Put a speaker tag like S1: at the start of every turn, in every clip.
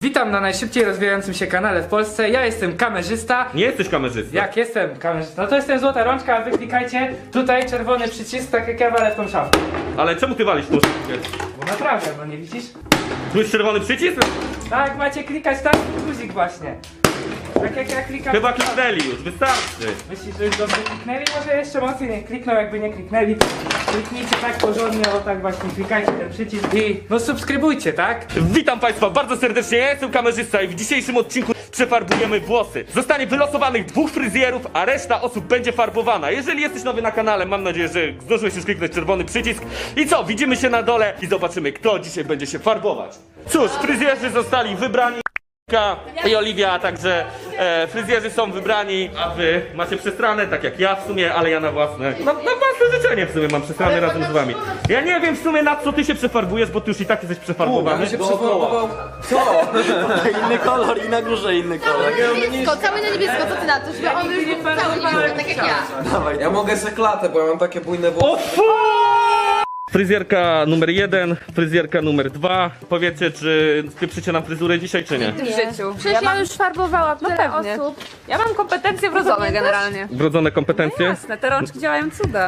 S1: Witam na najszybciej rozwijającym się kanale w Polsce. Ja jestem kamerzysta.
S2: Nie jesteś kamerzystą.
S1: Jak jestem kamerzysta? No to jestem Złota Rączka, a wy klikajcie tutaj czerwony przycisk, tak jak ja walę w tą szafkę.
S2: Ale czemu ty walisz tą szybkę?
S1: Bo naprawdę, no nie widzisz?
S2: Tu jest czerwony przycisk?
S1: Tak, macie klikać tam guzik właśnie. Tak jak ja klikam.
S2: Chyba kliknęli już, wystarczy.
S1: Myślisz, że już dobrze kliknęli? Może jeszcze mocniej nie kliknął, jakby nie kliknęli. Kliknijcie tak porządnie, o tak właśnie, klikajcie ten przycisk i no subskrybujcie, tak?
S2: Witam Państwa bardzo serdecznie, ja jestem kamerzysta i w dzisiejszym odcinku przefarbujemy włosy. Zostanie wylosowanych 2 fryzjerów, a reszta osób będzie farbowana. Jeżeli jesteś nowy na kanale, mam nadzieję, że zdążyłeś już kliknąć czerwony przycisk. I co, widzimy się na dole i zobaczymy, kto dzisiaj będzie się farbować. Cóż, fryzjerzy zostali wybrani. I Oliwia, a także fryzjerzy są wybrani, a wy macie przestranę, tak jak ja w sumie, ale ja na własne, na własne życzenie w sumie mam przestranę razem z wami. Ja nie wiem w sumie na co ty się przefarbujesz, bo ty już i tak jesteś przefarbowany.
S3: Co? Inny kolor i na górze inny kolor.
S4: Niebiesko, cały na niebiesko, co ty na to? Żeby on już był cały niebiesko, tak jak ja.
S3: Ja mogę seklatę, bo ja mam takie bujne
S2: O
S3: włosy.
S2: fu! Fryzjerka numer 1, fryzjerka numer 2. Powiedzcie, czy spieprzycie nam fryzurę dzisiaj, czy nie?
S5: W życiu.
S4: Przecież ja już farbowałam tyle
S5: pewnie.
S4: osób.
S5: Ja mam kompetencje wrodzone generalnie.
S2: Wrodzone kompetencje?
S5: Jasne, te rączki działają cuda.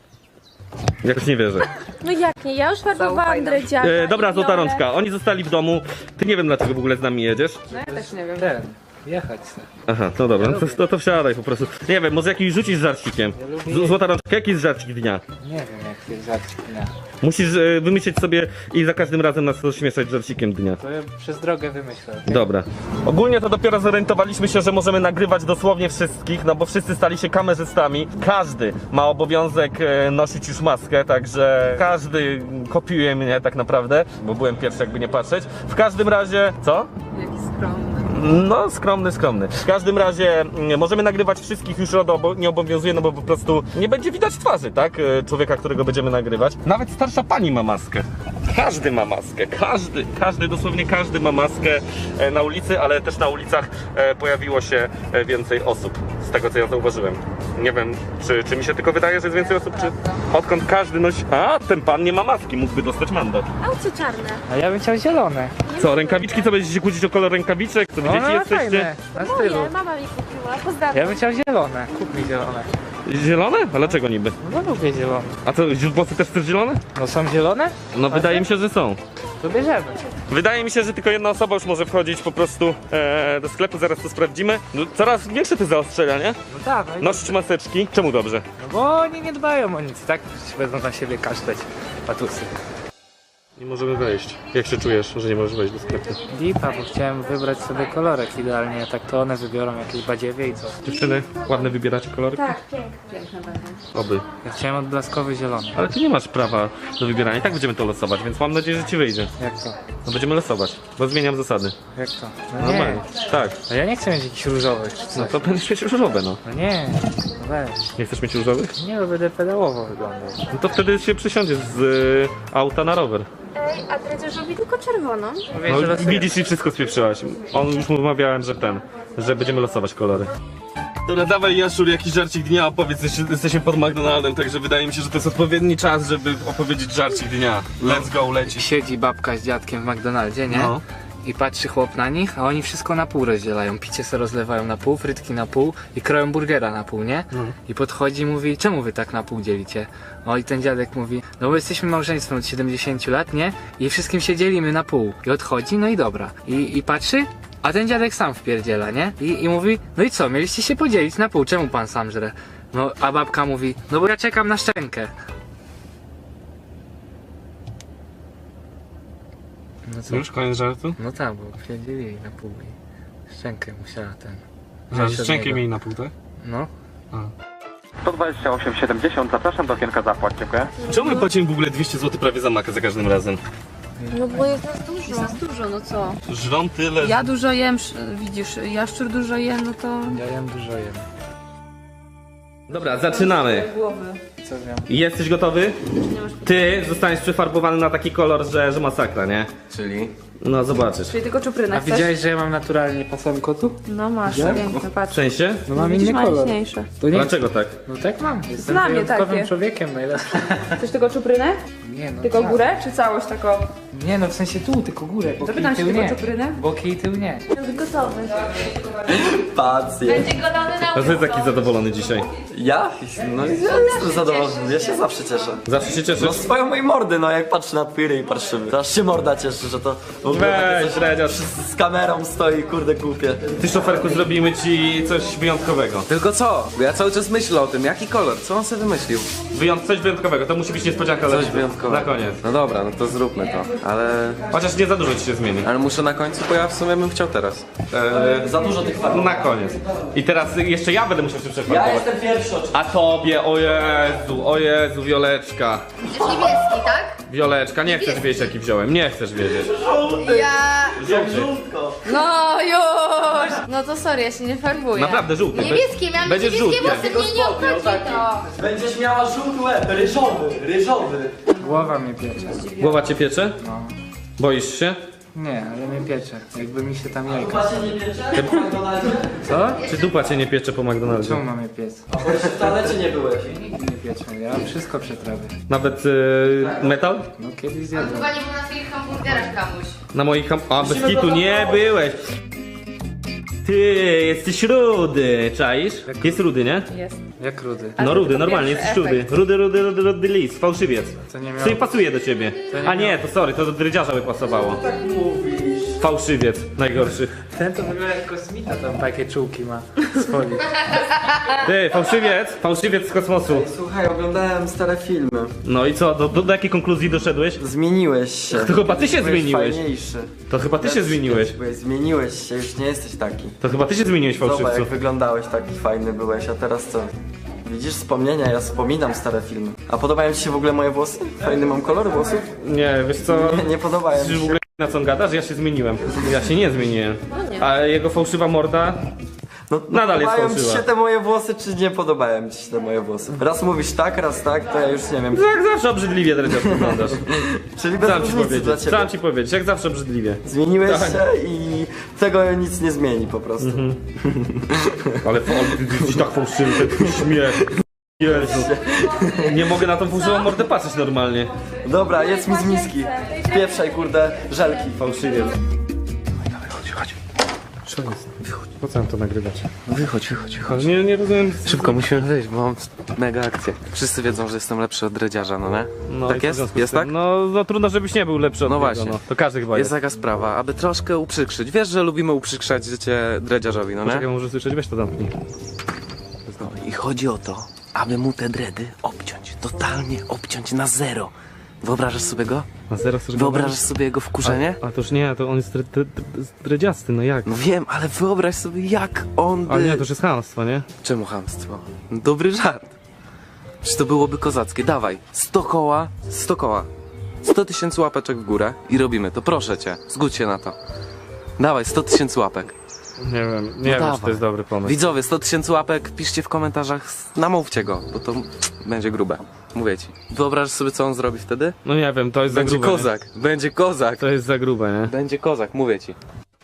S2: Jakoś nie wierzę.
S4: No jak nie, ja już farbowałam
S5: Zaufaj nam.
S4: dredziaka.
S2: Dobra, Złota Rączka, oni zostali w domu. Ty nie wiem dlaczego w ogóle z nami jedziesz.
S5: No ja też nie wiem.
S1: Jechać sobie.
S2: Aha, no dobra, no to wsiadaj po prostu. Nie wiem, może jakiś rzucić żarcikiem. Złota Rączka, jaki jest żarcik dnia?
S1: Nie wiem jak jest żarcik dnia.
S2: Musisz wymyślić sobie i za każdym razem nas rozśmieszać żarcikiem dnia.
S1: To ja przez drogę wymyślę.
S2: Dobra. Ogólnie to dopiero zorientowaliśmy się, że możemy nagrywać dosłownie wszystkich, no bo wszyscy stali się kamerzystami. Każdy ma obowiązek nosić już maskę, także każdy kopiuje mnie tak naprawdę, bo byłem pierwszy jakby nie patrzeć. W każdym razie... Co?
S5: Jaki skromny.
S2: No, skromny. W każdym razie możemy nagrywać wszystkich, już RODO nie obowiązuje, no bo po prostu nie będzie widać twarzy, tak? Człowieka, którego będziemy nagrywać. Nawet starsza pani ma maskę. Każdy ma maskę, dosłownie każdy ma maskę na ulicy, ale też na ulicach pojawiło się więcej osób, z tego co ja zauważyłem. Nie wiem, czy mi się tylko wydaje, że jest więcej osób, czy... Odkąd każdy nosi... A, ten pan nie ma maski, mógłby dostać mandat.
S4: A co czarne?
S1: A ja bym chciał zielone.
S2: Co, rękawiczki? Co, będziecie się kłócić o kolor rękawiczek? Co,
S1: No,
S2: dzieci
S1: no
S2: jesteście?
S1: fajne, na stylu.
S4: Moje, mama mi kupiła, pozdrawiam.
S1: Ja bym chciał zielone. Kup mi zielone.
S2: Zielone? A dlaczego niby?
S1: No lubię zielone.
S2: A co, włosy też chcesz zielone?
S1: No są zielone?
S2: No wydaje mi się, że są.
S1: To bierzemy.
S2: Wydaje mi się, że tylko jedna osoba już może wchodzić po prostu do sklepu, zaraz to sprawdzimy. No, coraz większe te zaostrzenia, nie?
S1: No dawaj.
S2: Nosić maseczki. Czemu dobrze?
S1: No bo oni nie dbają o nic, tak? Będą na siebie kaszleć patusy.
S2: Nie możemy wejść. Jak się czujesz, że nie możesz wejść do sklepu?
S1: Lipa, bo chciałem wybrać sobie kolorek idealnie, a tak to one wybiorą jakieś badziewie i co?
S2: Dziewczyny, ładne wybieracie kolory?
S4: Tak, pięknie.
S5: Piękne będą.
S2: Oby.
S1: Ja chciałem odblaskowy zielony.
S2: Ale ty nie masz prawa do wybierania. I tak będziemy to losować, więc mam nadzieję, że ci wyjdzie.
S1: Jak to?
S2: No będziemy losować, bo zmieniam zasady.
S1: Jak to? No
S2: Normalnie.
S1: nie.
S2: Tak.
S1: No ja nie chcę mieć jakichś różowych czy
S2: No
S1: coś.
S2: to będziesz mieć różowe, no.
S1: No nie, no weź.
S2: Nie chcesz mieć różowych?
S1: Nie, bo będę pedałowo wyglądał.
S2: No to wtedy się przesiądziesz z auta na rower.
S4: Ej, a dredziarz robi tylko czerwoną.
S1: Mówię, że
S2: No,
S1: losuję.
S2: widzisz i wszystko spieprzyłaś. On już mu mawiałem, że będziemy losować kolory. Dobra, dawaj Jaszczur, jakiś żarcik dnia opowiedz, jesteśmy pod McDonaldem, także wydaje mi się, że to jest odpowiedni czas, żeby opowiedzieć żarcik dnia. Let's go, leci.
S1: Siedzi babka z dziadkiem w McDonaldzie, nie?
S2: No.
S1: I patrzy chłop na nich, a oni wszystko na pół rozdzielają. Picie se rozlewają na pół, frytki na pół i kroją burgera na pół, nie? I podchodzi i mówi, czemu wy tak na pół dzielicie? O i ten dziadek mówi, no bo jesteśmy małżeństwem od 70 lat, nie? I wszystkim się dzielimy na pół. I odchodzi, no i dobra. I patrzy, a ten dziadek sam wpierdziela, nie? I mówi, no i co, mieliście się podzielić na pół, czemu pan sam żre? No a babka mówi, no bo ja czekam na szczękę. No co?
S2: Już koniec żartu?
S1: No tak, bo wpierdzielili na pół i szczękę musiała ten...
S2: Że
S1: wziąć od
S2: szczękę
S1: niego.
S2: mieli na pół, tak?
S1: No.
S6: 128,70, zapraszam do okienka zapłać, dziękuję.
S2: Czemu my płacimy w ogóle 200 zł prawie za makę za każdym razem?
S4: No bo jest nas dużo.
S5: Jest nas dużo, no co?
S2: Żrą tyle,
S5: Ja dużo jem, widzisz, Jaszczur dużo je, no to...
S1: Ja jem dużo jem.
S2: Dobra, zaczynamy.
S5: Głowy.
S1: Co miał?
S2: Jesteś gotowy? Ty zostaniesz przefarbowany na taki kolor, że masakra, nie?
S3: Czyli?
S2: No zobaczysz.
S5: Czyli tylko czuprynę
S1: A
S5: chcesz?
S1: widziałeś, że ja mam naturalnie pasem kotu?
S5: No masz, piękne,
S2: W
S5: patrz.
S2: sensie?
S1: No mam
S5: Widzisz,
S1: inny kolor.
S5: maliczniejsze.
S1: To nie...
S2: Dlaczego tak?
S1: No tak mam. Jestem
S5: Znam je
S1: wyjątkowym
S5: takie.
S1: człowiekiem najlepszym.
S5: Chcesz tylko czuprynę?
S1: Nie no.
S5: Tylko
S1: tak.
S5: górę, czy całość taką?
S1: Nie no, w sensie tu, tylko górę, boki i
S5: Zapytam się
S1: tył
S5: tylko
S1: nie.
S5: czuprynę.
S1: Boki i tył nie.
S5: Gotowy.
S3: Pacjent.
S4: Będzie godany na
S2: A ty taki zadowolony dzisiaj.
S3: Ja? No ja jestem zadowolony, ja się zawsze cieszę.
S2: Zawsze się cieszysz?
S3: No swoją mojej mordy, no jak patrzę na twój ryj parszywy. To aż się morda cieszy, że to w ogóle
S2: Weź,
S3: takie coś
S2: Dredziarz.
S3: z kamerą stoi, kurde głupie.
S2: Ty, szoferku, zrobimy ci coś wyjątkowego.
S7: Tylko co? Bo ja cały czas myślę o tym, jaki kolor, co on sobie wymyślił?
S2: Coś wyjątkowego, to musi być niespodzianka dla
S7: Coś
S2: ciebie.
S7: wyjątkowego.
S2: Na koniec.
S7: No dobra, no to zróbmy to, ale...
S2: Chociaż nie za dużo ci się zmieni.
S7: Ale muszę na końcu, bo ja w sumie bym chciał teraz.
S3: Za dużo tych farb.
S2: Na koniec. I teraz jeszcze ja będę musiał się
S3: Ja
S2: przefarbować.
S3: jestem pierwszy oczywiście.
S2: A tobie, o Jezu, Wioleczka.
S4: Będziesz niebieski, tak?
S2: Wioleczka, nie chcesz wiedzieć jaki wziąłem, nie chcesz wiedzieć.
S4: Ja...
S3: Żółtko.
S4: No już! No to sorry, ja się nie farbuję.
S2: Naprawdę żółty.
S4: Niebieskie, miałam
S2: Będziesz
S4: niebieskie
S2: żółty.
S4: włosy, mnie nie obchodzi to.
S3: Będziesz miała żółty łeb, ryżowy.
S1: Głowa mnie piecze.
S2: Głowa cię piecze?
S1: No.
S2: Boisz się?
S1: Nie, ale mnie piecze. Jakby mi się tam jajka.
S3: Chyba się nie piecze? W McDonaldzie?
S1: Co?
S2: Czy dupa cię nie piecze po McDonaldzie?
S1: Czemu mamy piec?
S3: A bo jeszcze w toalecie nie byłeś.
S1: Nigdy nie piecze. Ja wszystko przetrawię.
S2: Nawet metal?
S1: No kiedyś
S4: On
S1: zjadłem.
S4: chyba nie był na swoich hamburgerach kamuś.
S2: Na moich A, bez kitu nie byłeś. Ty, jesteś rudy, czaisz? Jest rudy, nie?
S5: Jest.
S1: Jak rudy.
S2: No rudy, normalnie, jesteś rudy. Rudy lis, fałszywiec.
S1: To nie
S2: Co
S1: miało...
S2: nie pasuje do ciebie.
S1: nie
S2: A nie, to sorry, to do drydziarza by pasowało. Fałszywiec, najgorszy.
S1: Ten to wygląda jak kosmita, tam takie czułki ma z folii.
S2: Ty, fałszywiec z kosmosu.
S3: Słuchaj, oglądałem stare filmy.
S2: No i co, do jakiej konkluzji doszedłeś?
S3: Zmieniłeś się.
S2: To chyba ty się
S3: Byłeś
S2: zmieniłeś.
S3: fajniejszy.
S2: To chyba ty się zmieniłeś.
S3: Zmieniłeś się, już nie jesteś taki.
S2: To chyba ty się zmieniłeś,
S3: Zobacz
S2: fałszywcu.
S3: jak wyglądałeś, taki fajny byłeś, a teraz co? Widzisz wspomnienia, ja wspominam stare filmy. A podobają ci się w ogóle moje włosy? Fajny mam kolor włosów?
S2: Nie, wiesz co?
S3: Nie podobają
S2: Czy
S3: mi
S2: w
S3: się.
S2: ogóle na co on gadasz? Ja się zmieniłem. Ja się nie zmieniłem. A jego fałszywa morda?
S3: No,
S2: Nadal jest
S3: podobają ci
S2: fałszywa.
S3: się te moje włosy, czy nie podobają ci się te moje włosy? Raz mówisz tak, raz tak, to ja już nie wiem.
S2: Jak zawsze obrzydliwie, Dredziarz, wyglądasz.
S3: Czyli bez
S2: Chciałem ci
S3: różnicy dla
S2: powiedzieć,
S3: ciebie.
S2: chciałem ci powiedzieć, jak zawsze obrzydliwie.
S3: Zmieniłeś
S2: Tak.
S3: się i tego nic nie zmieni po prostu.
S2: Ale ty jesteś tak fałszywy, ten śmiech. Jezu. Nie mogę na tą fałszywą mordę patrzeć normalnie.
S3: Dobra, jedz mi z miski. Wpieprzaj, kurde, żelki.
S2: Fałszywiec. Co jest? Po co mam to nagrywać?
S7: Wychodź.
S2: Ale nie rozumiem.
S7: Szybko, musimy wyjść, bo mam mega akcję. Wszyscy wiedzą, że jestem lepszy od dredziarza, no nie?
S2: No
S7: Tak
S2: i co w
S7: jest?
S2: związku z
S7: Jest
S2: tym?
S7: tak?
S2: No trudno, żebyś nie był lepszy od
S7: No
S2: niego,
S7: właśnie.
S2: no. To każdy chyba
S7: Jest
S2: jest.
S7: taka sprawa, aby troszkę uprzykrzyć. Wiesz, że lubimy uprzykrzać życie dredziarzowi, no
S2: Poczekaj,
S7: nie?
S2: może słyszeć, weź to zamknij.
S7: I chodzi o to, aby mu te dredy obciąć, totalnie obciąć na zero. Wyobrażasz sobie go?
S2: Na zero chcesz go
S7: Wyobrażasz sobie jego wkurzenie?
S2: A to już nie, to on jest dredziasty, no jak?
S7: No wiem, ale wyobraź sobie jak on by...
S2: Ale nie, to już jest chamstwo, nie?
S7: Czemu chamstwo? Dobry żart. Czy to byłoby kozackie? Dawaj, 100 koła. 100 tysięcy łapeczek w górę i robimy to, proszę cię, zgódź się na to. Dawaj, 100 tysięcy łapek.
S2: Nie wiem, nie wiem, czy
S7: dawaj.
S2: to jest dobry pomysł.
S7: Widzowie, 100 tysięcy łapek, piszcie w komentarzach, namówcie go, bo to będzie grube. Mówię ci. Wyobrażasz sobie, co on zrobi wtedy?
S2: No nie wiem, to jest
S7: Będzie
S2: za grube.
S7: kozak, będzie kozak.
S2: To jest za grube, nie?
S7: Będzie kozak, mówię ci.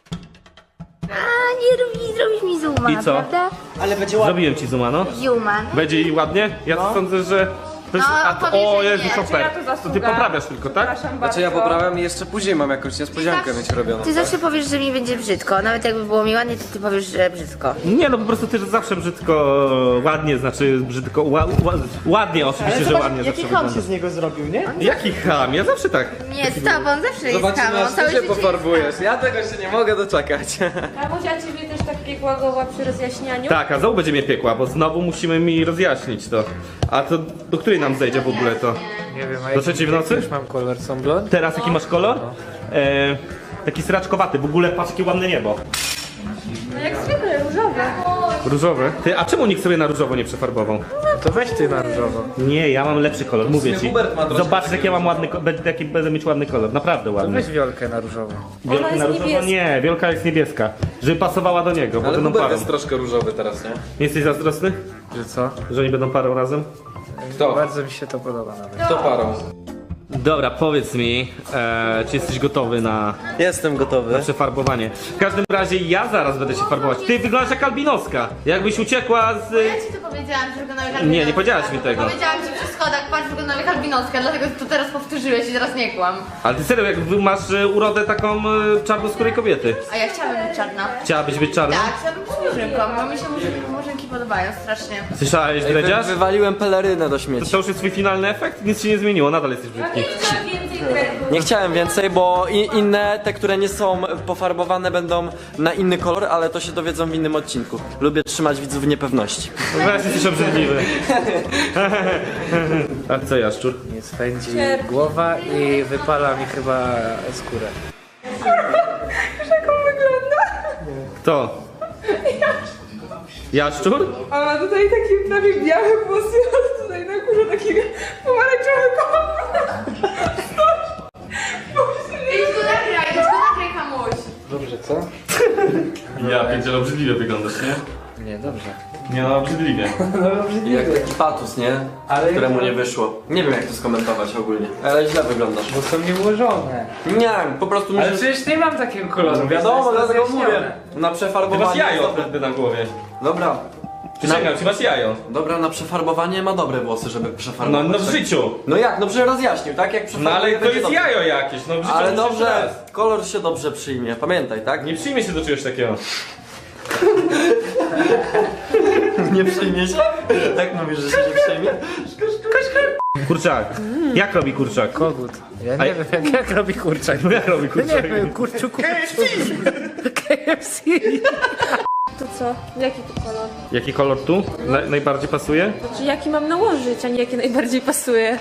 S8: A nie zrobisz mi zooma,
S2: I co?
S8: prawda?
S2: Zrobiłem ci zooma, no.
S8: Zooma.
S2: Będzie i ładnie? Ja sądzę, że...
S4: No, powiedz,
S2: o
S4: że
S2: Jezu,
S4: nie.
S2: szofer.
S5: Czyja to
S2: To ty
S5: zasługa?
S2: poprawiasz tylko, tak?
S7: Znaczy ja poprawiam i jeszcze później mam jakąś niespodziankę mieć robioną.
S8: Ty zawsze powiesz, że mi będzie brzydko. Nawet jakby było mi ładnie, to ty powiesz, że brzydko.
S2: Nie, no po prostu ty zawsze brzydko, ładnie, znaczy brzydko, ładnie oczywiście, że ładnie zawsze wygląda.
S3: z niego zrobił, nie?
S2: Jaki ham? Ja zawsze tak.
S4: Nie, z tobą zawsze jest
S7: Zobaczymy,
S4: kamą.
S7: aż ty się pofarbujesz. Ja tego się nie mogę doczekać.
S5: Kamusia ciebie też tak piekła głowa przy rozjaśnianiu?
S2: Tak, a znowu będzie mnie piekła, bo znowu musimy mi rozjaśnić to. A to do której nam zejdzie w ogóle to?
S1: Nie wiem, a
S2: Do trzeciej w nocy?
S1: Już mam kolor, są blond?
S2: Teraz jaki masz kolor? Taki sraczkowaty, w ogóle patrz jakie ładne niebo.
S5: No jak zwykle, różowe.
S2: Różowy? Ty, a czemu nikt sobie na różowo nie przefarbował?
S1: To weź ty na różowo.
S2: Nie, ja mam lepszy kolor, mówię ci.
S7: Hubert ma troszkę
S2: Zobacz jak ja mam ładny, jaki będę mieć ładny kolor, naprawdę
S1: To
S2: ładny.
S1: weź wiolkę na różowo.
S2: Wielka
S5: jest
S2: na różowo?
S5: niebieska.
S2: Nie, wielka jest niebieska. Żeby pasowała do niego, bo
S7: Ale
S2: będą
S7: Hubert
S2: parą.
S7: jest troszkę różowy teraz, nie?
S2: Nie jesteś zazdrosny?
S1: Że co?
S2: Że oni będą parą razem?
S7: Kto?
S1: Bardzo mi się to podoba nawet.
S7: Kto parą?
S2: Dobra, powiedz mi, czy jesteś gotowy na
S3: Jestem gotowy.
S2: przefarbowanie. W każdym razie ja zaraz będę się farbować. Ty wyglądasz jak albinoska. Jakbyś uciekła z...
S4: Ja ci to powiedziałam, że wyglądam jak albinoska.
S2: Nie pawiedziałaś mi tego.
S4: Powiedziałam ci przy schodach, patrz, wyglądam jak albinoska, dlatego to teraz powtórzyłeś i teraz nie kłam.
S2: Ale ty serio, jak masz urodę taką czarnoskórej kobiety.
S4: A ja chciałabym być czarna.
S2: Chciałabyś być czarna?
S4: Tak, chciałabym być murzynką, bo mi się murzynki podobają strasznie.
S2: Słyszałeś, Dredziarz?
S3: Wywaliłem pelerynę do śmieci.
S2: To już jest twój finalny efekt? Nic się nie zmieniło, nadal jesteś brzydki.
S3: Nie chciałem więcej, bo inne, te, które nie są pofarbowane, będą na inny kolor, ale to się dowiedzą w innym odcinku. Lubię trzymać widzów w niepewności.
S2: Weź, jesteś obrzydliwy. A co, Jaszczur?
S1: Nie spędzi głowa i wypala mi chyba skórę.
S2: Kto? Jaszczur?
S9: A ma tutaj takie na mnie białe włosy, a tutaj na górze takie pomarańczowe kolor.
S4: Idź go nagraj, kamuś.
S1: Dobrze, co?
S2: Ja pierdzielę, obrzydliwie wyglądasz, nie?
S1: Nie, dobrze.
S2: Nie no, obrzydliwie.
S3: Jak taki patus, nie?
S1: Ale
S3: Któremu nie wyszło. Nie wiem jak to skomentować ogólnie. Ale źle wyglądasz.
S1: Bo są nieułożone.
S3: Nie, po prostu
S1: Ale
S3: musisz...
S1: przecież nie mam takiego koloru.
S3: Wiadomo,
S1: to jest
S3: dlatego
S1: rozjaśnione.
S3: mówię. Na
S2: Ty
S3: przefarbowanie...
S2: masz jajo
S3: jest dobre.
S2: wtedy na głowie.
S3: Dobra.
S2: Przysięgam, ty masz jajo.
S3: Dobra, na przefarbowanie ma dobre włosy, żeby przefarbować.
S2: No w
S3: tak?
S2: życiu.
S3: No jak? No przecież rozjaśnił, tak? Jak
S2: No
S3: przefarbuje,
S2: ale to
S3: będzie
S2: jest
S3: dobrze.
S2: jajo jakieś, no w życiu
S3: Ale
S2: musisz
S3: dobrze,
S2: raz.
S3: kolor się dobrze przyjmie, pamiętaj, tak?
S2: Nie przyjmie się do czegoś takiego.
S3: Nie przyjmie się? Tak mówisz, że się nie przyjmie?
S2: Kurczak. Jak robi kurczak?
S1: Kogut. Ja nie wiem, jak robi kurczak.
S2: No jak robi
S1: Nie
S2: kurczak?
S1: wiem, kurczu. KFC!
S5: To co? Jaki to kolor?
S2: Jaki kolor tu najbardziej pasuje?
S5: Znaczy jaki mam nałożyć, a nie jaki najbardziej pasuje?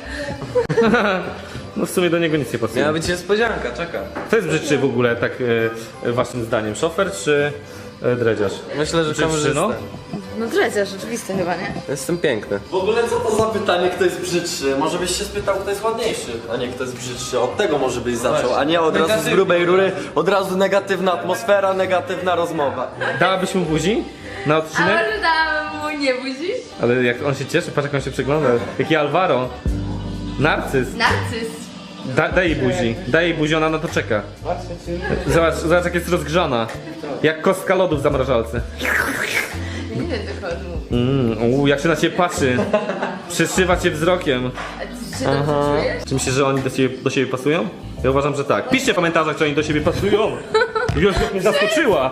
S2: No w sumie do niego nic nie pasuje.
S7: Miała być niespodzianka, czekam.
S2: Kto jest brzydszy w ogóle, tak waszym zdaniem? Szofer czy dredziarz?
S7: Myślę, że
S2: Czy
S7: kamerzysta.
S2: no?
S8: No dredziarz, rzeczywiste chyba, nie?
S7: Jestem piękny.
S3: W ogóle co to za pytanie, kto jest brzydszy? Może byś się spytał, kto jest ładniejszy, a nie kto jest brzydszy. Od tego może byś zaczął, a nie od razu z grubej rury, od razu negatywna atmosfera, negatywna rozmowa.
S2: Dałabyś mu buzi na
S4: A
S2: odcinek?
S4: może dałam mu nie budzić?
S2: Ale jak on się cieszy, patrz jak on się przygląda. Jaki Alvaro. Narcyz.
S4: Narcyz.
S2: Daj jej buzi. Daj jej buzi, ona na to czeka. Zobacz jak jest rozgrzana. Jak kostka lodu w zamrażalce.
S4: Nie wiem dochodu.
S2: Jak się na ciebie patrzy. Przeszywa cię wzrokiem.
S4: A ty się dobrze czujesz?
S2: Czy myślisz, że oni do siebie pasują? Ja uważam, że tak. Piszcie w komentarzach, czy oni do siebie pasują. Już mnie zaskoczyła.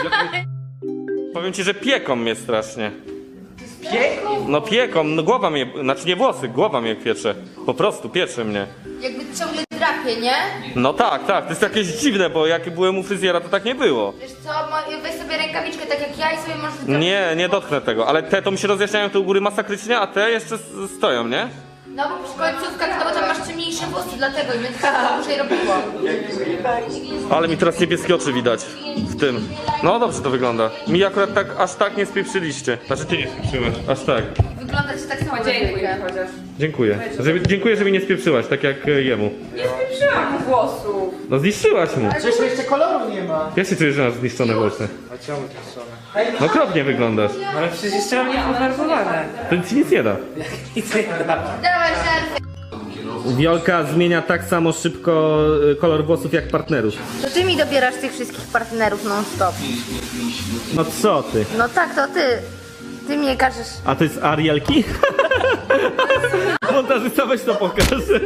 S2: Powiem ci, że pieką mnie strasznie. Pieką? No pieką, no głowa mnie, znaczy nie włosy, głowa mnie piecze. Po prostu piecze mnie.
S4: Jakby ciągle drapie, nie?
S2: No tak, to jest jakieś dziwne, bo jak byłem u fryzjera, to tak nie było.
S4: Wiesz co, weź sobie rękawiczkę tak jak ja i sobie możesz zrobić.
S2: Nie dotknę tego, ale te to mi się rozjaśniają tu u góry masakrycznie, a te jeszcze stoją, nie?
S4: No bo przy końcówkach, no bo tam masz ciemniejsze włosy, dlatego i będzie się to dłużej robiło.
S2: Ale mi teraz niebieskie oczy widać w tym. No dobrze to wygląda. Mi akurat tak, aż tak nie spieprzyliście. Znaczy ty nie spieprzyłeś, aż tak.
S4: Wygląda ci tak samo
S5: Dziękuję chociaż.
S2: Dziękuję. Dziękuję, że mi nie spieprzyłaś, tak jak jemu.
S5: Nie spieprzyłam mu włosów.
S2: No zniszczyłaś mu.
S1: Przecież jeszcze koloru nie ma.
S2: Jak się czujesz, że masz zniszczone włosy?
S1: A czemu to są?
S2: No okropnie wyglądasz.
S1: Ale przecież jeszcze mam nie pofarbowane.
S2: To ci nic nie da.
S1: Nic nie da.
S4: Dawaj żarty.
S2: Wiolka zmienia tak samo szybko kolor włosów jak partnerów.
S8: To ty mi dobierasz tych wszystkich partnerów non stop.
S2: No co ty?
S8: No tak, to ty. Ty mnie każesz.
S2: A to jest Arielki? Montażysta, weź to pokaż.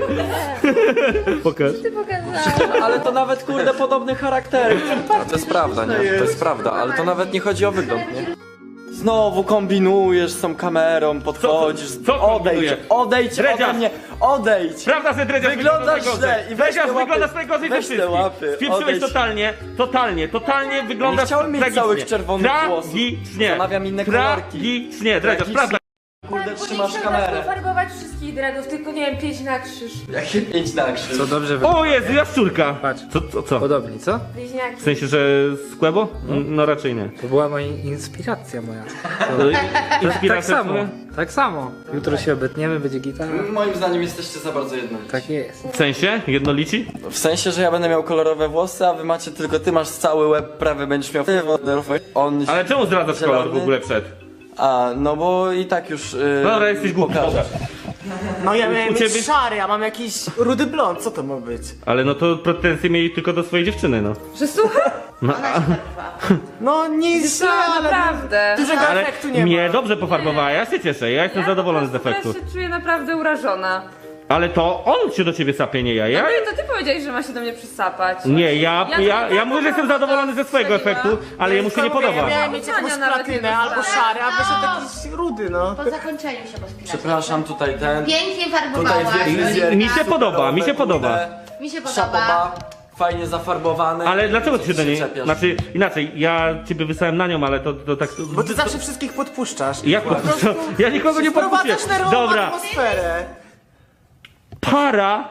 S2: Pokaż.
S3: Ale to nawet kurde podobny charakter. To jest prawda, nie? To jest prawda, ale to nawet nie chodzi o wygląd, nie? Znowu kombinujesz z tą kamerą, podchodzisz,
S2: Co kombinuję?
S3: odejdź ode
S2: Dredziarz.
S3: mnie, odejdź!
S2: Prawda, że dredziarz
S3: Wyglądasz źle i weź te łapy.
S2: wyglądasz najgorzej ze
S3: Weź te
S2: wszystkich.
S3: łapy,
S2: Spieprzyłeś
S3: odejdź.
S2: totalnie wyglądasz
S3: Nie chciałem mieć
S2: tragicznie.
S3: całych czerwonych włosów.
S2: Tragicznie.
S3: Zamawiam inne kolorki.
S2: Tragicznie, dredziarz,
S3: Tragicznie.
S2: prawda.
S3: Kurde, trzymasz
S5: Nie
S3: kamerę.
S5: farbować wszystkich dreadów, tylko nie wiem, 5 na krzyż.
S3: Jakie 5 na krzyż.
S1: To dobrze wygląda.
S2: O Jezu, jaszczurka.
S1: Patrz.
S2: Co?
S1: Podobni, co?
S5: Bliźniaki.
S2: W sensie, że z Kłębo? No raczej nie.
S1: To była moja inspiracja moja. Tak
S2: Inspiracja
S1: samo.
S2: twoja?
S1: Tak samo. Jutro się obetniemy, będzie gitara.
S3: Moim zdaniem jesteście za bardzo jednolici.
S1: Tak jest.
S2: W sensie? Jednolici?
S3: W sensie, że ja będę miał kolorowe włosy, a wy macie tylko ty masz cały łeb prawy, będziesz miał on.
S2: Ale czemu zdradzasz kolor w
S3: Zielony.
S2: ogóle przed?
S3: A, no bo i tak już.
S2: No dobra, jesteś głupi.
S3: pokażę.
S10: No ja miałem
S2: U ciebie-
S10: mieć szary, a mam jakiś rudy blond, co to ma być?
S2: Ale no to pretensje mieli tylko do swojej dziewczyny, no.
S5: Że słuchaj?
S2: No,
S10: No nie jest źle, ale
S5: Naprawdę.
S10: dużego
S2: ale
S10: efektu nie
S2: mnie
S10: ma.
S2: dobrze pofarbowała, ja się cieszę, ja jestem zadowolony z efektu.
S5: Ja się czuję naprawdę urażona.
S2: Ale to on się do ciebie sapie, nie ja.
S5: No nie, to ty powiedziałeś, że ma się do mnie przysapać.
S2: Nie, ja mówię, że jestem zadowolony ze swojego efektu, ale jemu się nie podoba.
S10: Ja miałem mieć jakąś
S5: Nawet nie
S10: platynę albo
S5: dostałem.
S10: szary, a wyszedł jakiś rudy, no.
S8: Po zakończeniu się pospinasz.
S3: Przepraszam, tutaj ten.
S8: Pięknie
S3: Tutaj
S8: farbowałaś.
S3: dwie fryzjerki
S2: Mi się podoba,
S3: superowe,
S2: mi się podoba.
S3: kurde.
S8: Mi się podoba.
S3: Szapoba, fajnie zafarbowane.
S2: Ale dlaczego ty się do niej...
S3: czepiasz?
S2: Znaczy, inaczej, ja ciebie wysłałem na nią, ale to tak...
S10: Bo ty zawsze wszystkich podpuszczasz.
S2: Jak podpuszczam? Ja nikogo nie podpuszczę.
S10: Wprowadzasz nerwową
S2: Dobra,
S10: atmosferę.
S2: para.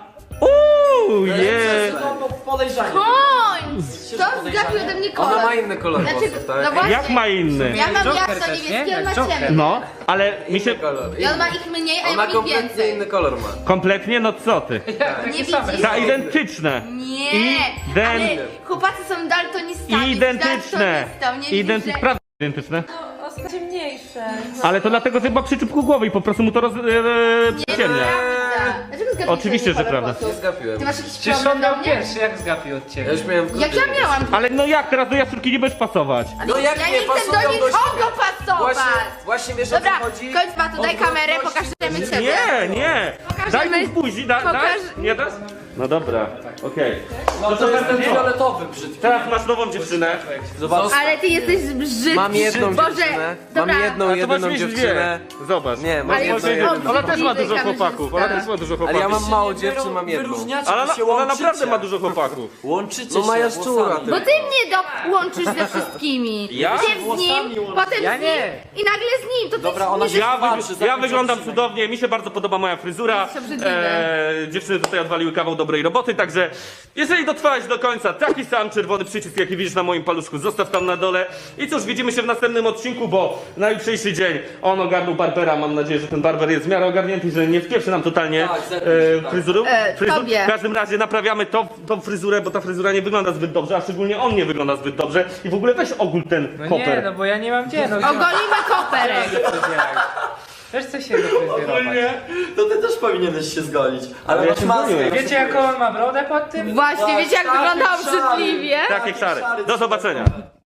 S3: Podejrzanie.
S4: Koń! To zgapił ode mnie kolor.
S3: Ona ma inny kolor
S4: Znaczy,
S3: włosów, tak?
S4: no właśnie.
S2: Jak ma inny?
S4: Ja mam
S1: Joker
S4: jasno
S1: też, nie?
S4: niebieski, on ma
S1: Jak Joker.
S4: ciemny.
S2: No, ale mi się...
S3: Kolor.
S4: I on ma ich mniej, a ja
S3: Ona
S4: mam ich
S3: kompletnie
S4: więcej.
S3: inny kolor ma.
S2: Kompletnie? No co ty?
S4: Nie widzisz?
S2: Za identyczne.
S4: Nie, ale chłopacy są daltonistami.
S2: Identyczne. Prawda identyczne.
S5: O, ciemniejsze.
S2: Ale to dlatego, że ma przyczypku głowy i po prostu mu to przyciemnia.
S4: Dlaczego zgapiłeś
S2: Oczywiście,
S4: mi
S2: że
S4: kolor
S2: prawda.
S4: włosów?
S3: Nie zgapiłem.
S4: Ty masz jakiś
S1: Przecież on
S4: problem do
S1: miał
S4: mnie?
S1: pierwszy, jak zgapił od ciebie.
S3: Ja już miałem
S4: Jak ja miałam?
S2: Ale no jak teraz do jaszczurki nie będziesz pasować?
S3: No jak
S4: Ja
S3: nie
S4: nie chcę
S3: pasują
S4: do
S3: do
S4: nikogo
S3: siebie.
S4: pasować!
S3: Właśnie wiesz
S4: Dobra,
S3: o co chodzi?
S4: kończ ma tu, daj kamerę, pokażemy ciebie.
S2: Nie! Daj mi buzi, daj! Nie dasz? No dobra, okej.
S3: No to jest ten fioletowy brzydki.
S2: Teraz masz nową dziewczynę.
S3: Zobacz.
S4: Ale ty jesteś brzydki.
S7: Mam jedną
S4: Boże,
S7: dziewczynę.
S4: dobra.
S7: Mam jedną,
S2: A to masz
S7: jedyną
S2: mieć
S7: dziewczynę.
S2: dwie. Zobacz.
S7: Nie, mam
S4: Ale
S7: jedną,
S4: jest
S7: jedyną.
S2: Ona też ma
S4: obrzydliwy
S2: dużo
S4: kamerzysta.
S2: chłopaków. Ona też ma dużo
S7: Ale ja
S2: chłopaków.
S7: mam mało dziewczyn, mam jedną.
S3: Wyróżniacie,
S2: Ale
S3: wy się
S2: ona
S3: łączycie.
S2: naprawdę ma dużo chłopaków.
S3: Łączycie
S7: No ma
S3: się
S7: jaszczura,
S3: włosami.
S7: ty.
S4: Bo ty mnie łączysz ze wszystkimi.
S2: Ja?
S4: Ty z nim, potem
S1: Ja
S4: z nim
S1: nie.
S4: i nagle z nim. To ty
S3: Dobra, ona się patrzy,
S2: Ja
S3: zakończę
S2: wyglądam
S3: odcinek.
S2: cudownie, mi się bardzo podoba moja fryzura.
S4: Jest obrzydliwe.
S2: Dziewczyny tutaj odwaliły kawał dobrej roboty, także jeżeli dotrwałeś do końca, taki sam czerwony przycisk, jaki widzisz na moim paluszku, zostaw tam na dole. I cóż, widzimy się w następnym odcinku, bo na jutrzejszy dzień on ogarnął barbera. Mam nadzieję, że ten barber jest w miarę ogarnięty, że nie wpieprzy nam totalnie
S3: Tak, zerknij, tak.
S2: fryzuru.
S4: tobie.
S2: W każdym razie naprawiamy tą fryzurę, bo ta fryzura nie wygląda zbyt dobrze, a szczególnie on nie wygląda zbyt dobrze. I w ogóle weź ogól ten
S1: No
S2: koper.
S1: nie, no bo ja nie mam gdzie, no
S4: Ogolimy koperek.
S1: też chcę się dofryzjerować.
S3: To ty też powinieneś się zgolić. Ale
S2: ja
S3: masz
S2: się
S3: maskę.
S2: boję.
S1: Wiecie jaką on ma brodę pod tym?
S4: Właśnie, wiecie jak
S3: Tak,
S4: wygląda
S3: szary.
S4: obrzydliwie?
S2: Tak jak szary. Do zobaczenia.